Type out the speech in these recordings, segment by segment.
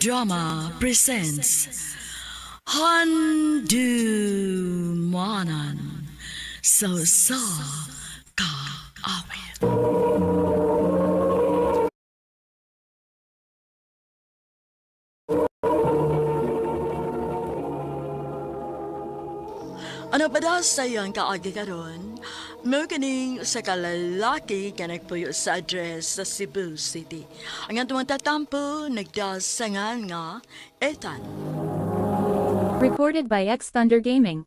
Drama presents Handumanan So Ka Awit. Ano pa daw sa iyang kaagi karon? May kaning sa kalalaki ka nagpuyo sa address sa Cebu City. Ang atong tatampo nagdasangan nga Ethan. Recorded by X Thunder Gaming.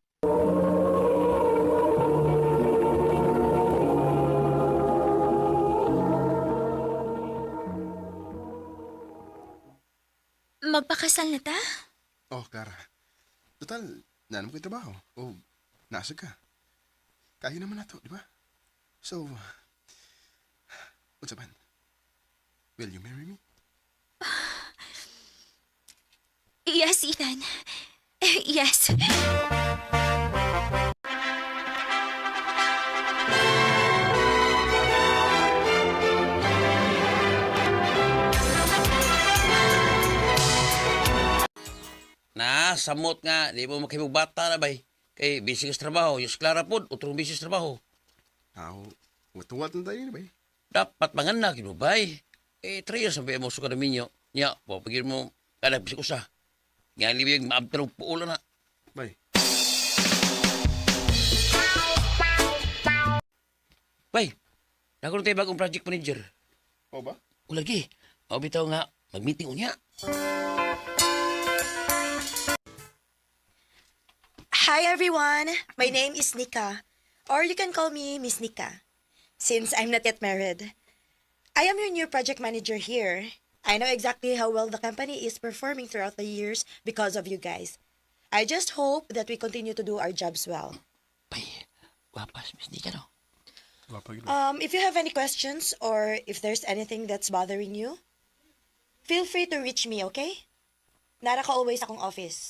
Magpakasal na ta? Oh, Clara. Total, nanam ko yung trabaho. O, nasa ka. Kaya naman na to, di ba? So, what's up, man? Will you marry me? Yes, Ethan. Yes. Samot nga, di mo makipagbata na bay. Kay busy ka sa trabaho, yung Clara po, utrong busy sa trabaho. Watuwat na tayo, ba? Dapat manganak, mo bay. 3 years ang mo suka na minyo. Nya, pagigil mo, kada bisik usa. Nga libig, maabtalong puulan na. Bay. Bay, nakaroon tayo bagong project manager. O ba? O lagi, bitaw nga, mag-meeting unya. Hi everyone, my name is Nika, or you can call me Miss Nika, since I'm not yet married. I am your new project manager here. I know exactly how well the company is performing throughout the years because of you guys. I just hope that we continue to do our jobs well. Bay, wapas, Miss Nika, no? If you have any questions or if there's anything that's bothering you, feel free to reach me, okay? Nara ka always akong office.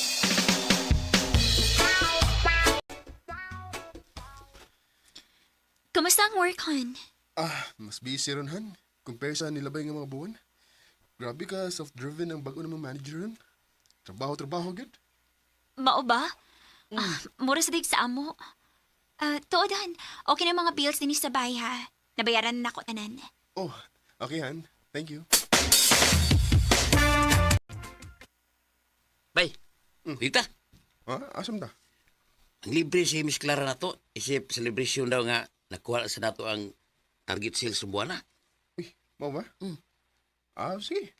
Kamusta ang work, hon? Mas busy ron, Han. Compare sa nilabay ng mga buwan. Grabe ka, self-driven ang bago namang manager ron. Trabaho, good. Mao ba? Mura sa dig sa amo. Tuodan, okay na mga bills din sa bahay, ha? Nabayaran na ako tanan. Oh, okay, Han. Thank you. Bay, dita. Asam da? Ang libre si Miss Clara na to, isip celebration daw nga, nakuha sa nato ang target sales sa buwan na. Uy, mau ba? Sige.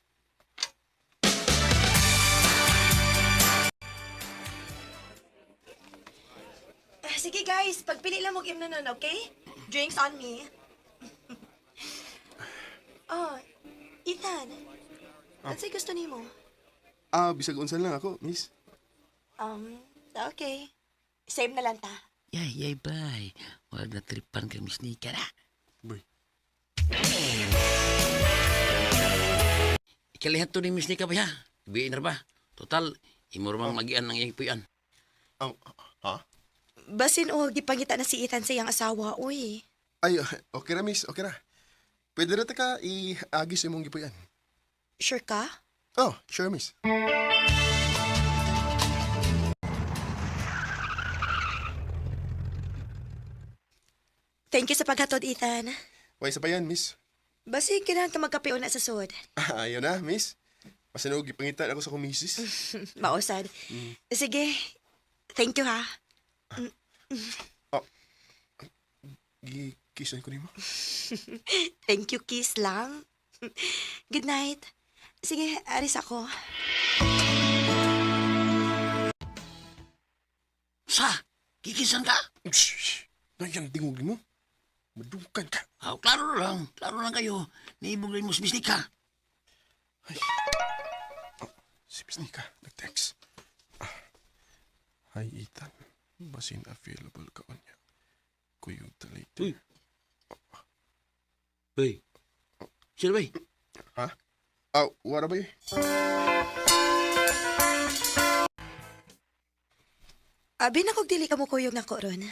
Sige guys, pagpili lang mo game nun, okay? Drinks on me. Oh, Ethan. Ano sa'yo gusto ni mo? Bisag unsan lang ako, miss. Okay. Same na lang ta. Yay, bay. Wag na tripan kang Miss Nika na. Boy. Ikalihan to ni Miss Nika ba, ha? Ibiin na ba? Total, imurmang magian ng iyang puyan. Ha? Basin o, gipangita na si Ethan sa iyang asawa, uy. Ay, okay na, miss. Okay na. Pwede na ka i-agis imong gipuyan. Sure ka? Oh, sure, miss. Thank you sa paghatod, Ethan. Way sa pa yan, miss. Basi, kailangan ka magkape na sa sud. Ayaw na, miss. Masinog, ipangitan ako sa kumisis. Mausad. Sige. Thank you, ha. Gikisan ko ni mo. Thank you, kiss lang. Good night. Sige, aris ako. Sa, kikisan ka? Shh! Nandiyan tingog mo. Madungkan ka. Klaro lang kayo. Naibog rin mo si Miss Nika. Si Miss Nika, nag-text. Hi, Ethan. Basin available ka on niya. Kuyog later. Uy. Bay. Sino bay? Ha? Wala ba yun? Abi na kog dili ka mo kuyog na ko ron.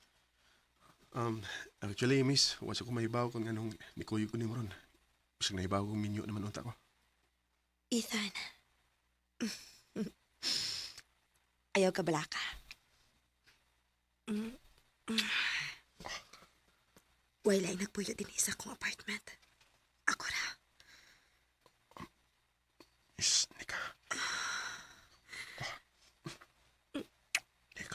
Actually, miss, once ako mahibaw kung anong nikuyo ko ni mo ron. Bisag nahibaw kong minyo naman unta ko. Ethan, Ayaw ka bala ka. Wala ay nagpuyo din sa akong apartment. Ako ra. Miss Nika. Nika.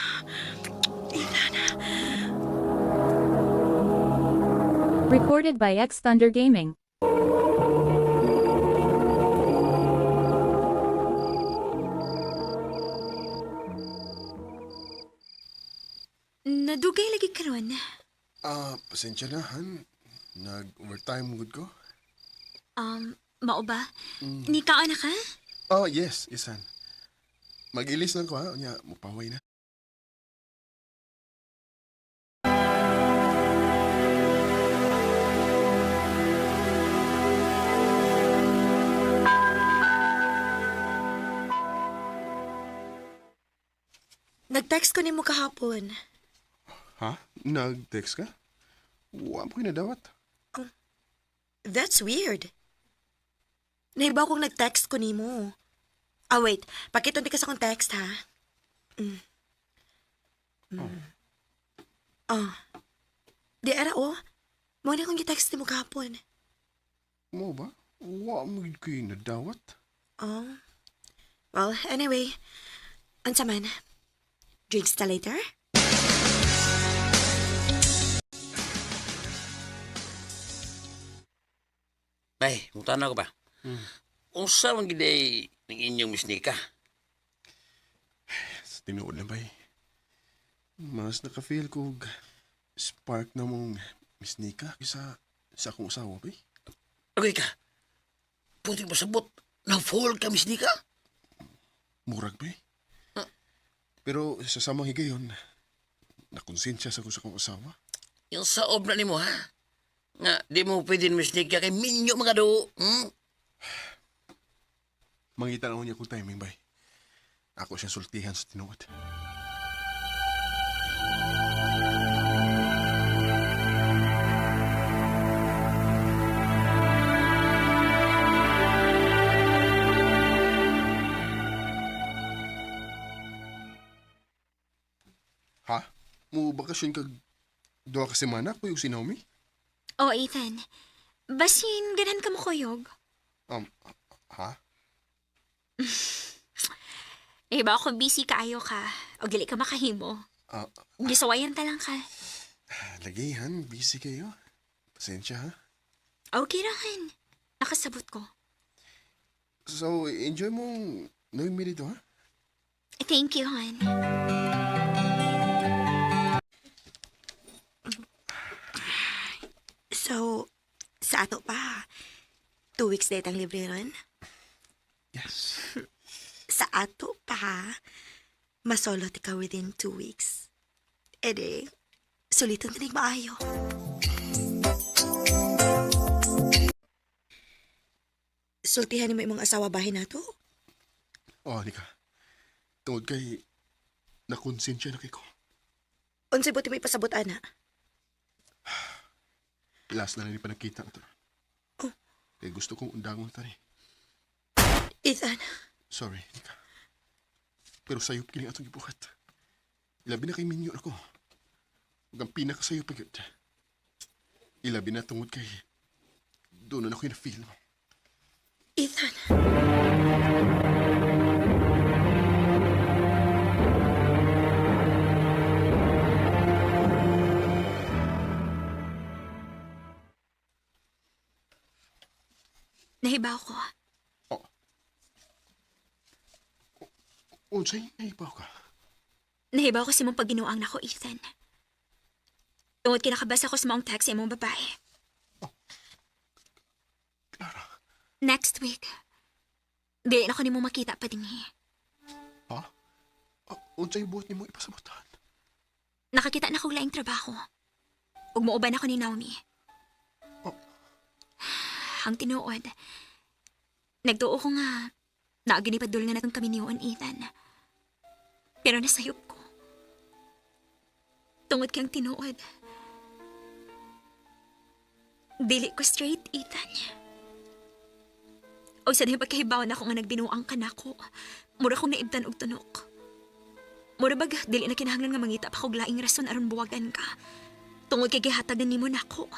Recorded by X Thunder Gaming. Nadugay lagi karon. Pasensya na, Han. Nag-overtime good ko. Mao ba? Ni kaon na ka? Yes, Han. Mag-ilis lang ko, ha? Nya, mupaway na. Nag-text ko ni mo kahapon. Ha? Nag-text ka? Wa mo kinadawat. That's weird. Nahibaw kong nag-text ko ni mo. Wait. Pakitunti ka sa kong text, ha? Di ara, Mo na akong i-text ni mo kahapon. Mo ba? Wa mo kinadawat. Well, anyway. Unsa man? Drinks ta later? Bay, mutana ko ba? Unsa man gid ay ning inyong Miss Nika? Sa tinuod na ba mas naka-feel ko spark na mong Miss Nika kaysa sa akong usawa ba Okay ka. Puti masabot. Na-fall ka, Miss Nika? Murag ba Pero sa samang higayon, nakonsensya sa ko sa akong usawa. Yung saob na nimo ha? Nga, di mo pwede Miss Nika kay minyo mga do. Mangita na niya kung timing ba Ako siyang sultihan sa tinuod. Ha? Mo bakasyon kag duha ka semana ko yung si Naomi? Oh, Ethan. Basin, ganan ka mo kuyog. Ha? Ba ako busy kaayo ka. O gali ka makahimo. Gisawayan ta lang ka. Lagihan, busy kayo. Pasensya ha. Okay rahan. Nakasabot ko. So, enjoy mong Naomi dito ha? Thank you, hon. So, sa ato pa, 2 weeks date ang libre ron? Yes. Sa ato pa, masolo ti ka within 2 weeks. Ede, sulitan tinig maayo. Sultihan ni mo imong asawa bahin nato? Nika. Tungod kay nakonsensya na kay ko. Unsay buti mo ipasabot, ana? Last na rin pa nakita ito. Kaya gusto kong undangon tani. Ethan, Sorry, Nika. Pero sayop kini atong gibuhat. Ilabi na kay minyo ako. Huwag ang pinakasayop pa yun. Ilabi na tungod kay doon na ako yung na-feel mo. Ethan. Nahibaw ko. Unsay naibaw ka? Nahibaw ko si mong pagginuang nako, Ethan. Tungod kinakabasa ko sa maong text sa imong babae. Clara. Next week. Di na ko ni mo makita pa din Ha? Unsay buhat ni mo ipasabutan? Nakakita na ko laing trabaho. Ug muuban ako ni Naomi. Ang tinuod. Nagtuo ko nga naaginipadul nga natong kami niyon, Ethan. Pero nasayop ko. Tungod kang tinuod. Dili ko straight, Ethan. O sa diba kahibawan ako nga nagbinuang ka na ko. Mura kong naibtan og tunok. Mura bag, dili na kinahanglan nga mangita pa kog laing rason aron buwagan ka. Tungod kay gihatagan nimo nako.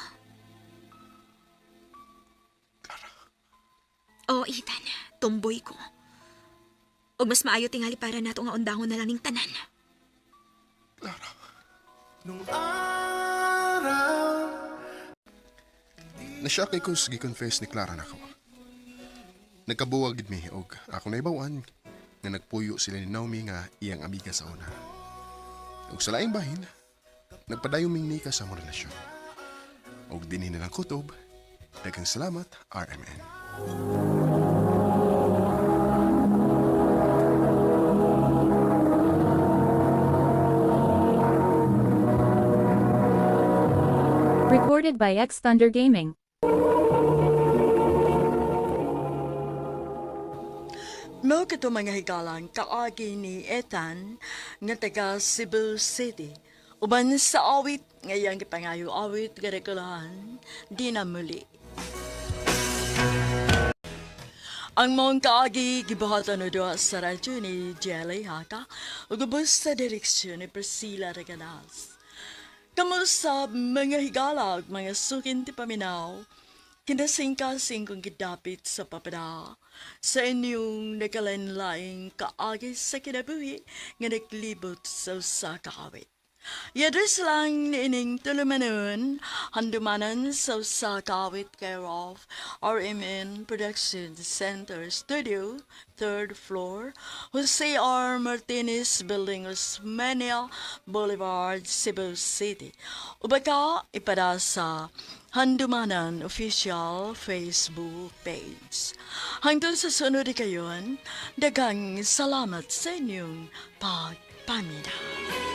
Oh, Ethan, tumboy ko. Og mas maayo tingali para nato nga undangon na lang ning tanan. Nashock ko sa gi-confess ni Clara na ko. Nagkabuwag gid mi og ako naibawan nga nagpuyo sila ni Naomi nga iyang amiga sa una. Ug sa laing bahin, nagpadayon ming nika sa among relasyon. Og dinhi na lang kutob. Daghang salamat, RMN. Recorded by X Thunder Gaming. Mo kito mga higalang kaagi ni Ethan nga taga Cebu City. Uban sa awit ngayang kipangayo awit garikulahan di na muli. Ang mong kaagi gibuhatan no doa sa radyo ni Jelly Haka ug ubos sa direksyon ni Priscilla Regalas. Kamusta mga higalag, mga sukin ti paminaw, kinasing-kasing kong gidapit sa papada sa inyong nakalanlaing kaagi sa kinabuhi nga naglibot sa usa ka awit. Yadres lang ni ining tulumanon, handumanan sa usa ka awit care of RMN Production Center Studio, 3rd floor, Jose R. Martinez Building, Osmeña Boulevard, Cebu City. Ubaka ipada sa Handumanan Official Facebook page. Hangtod sa sunod kayon, daghang salamat sa inyong pagpamina.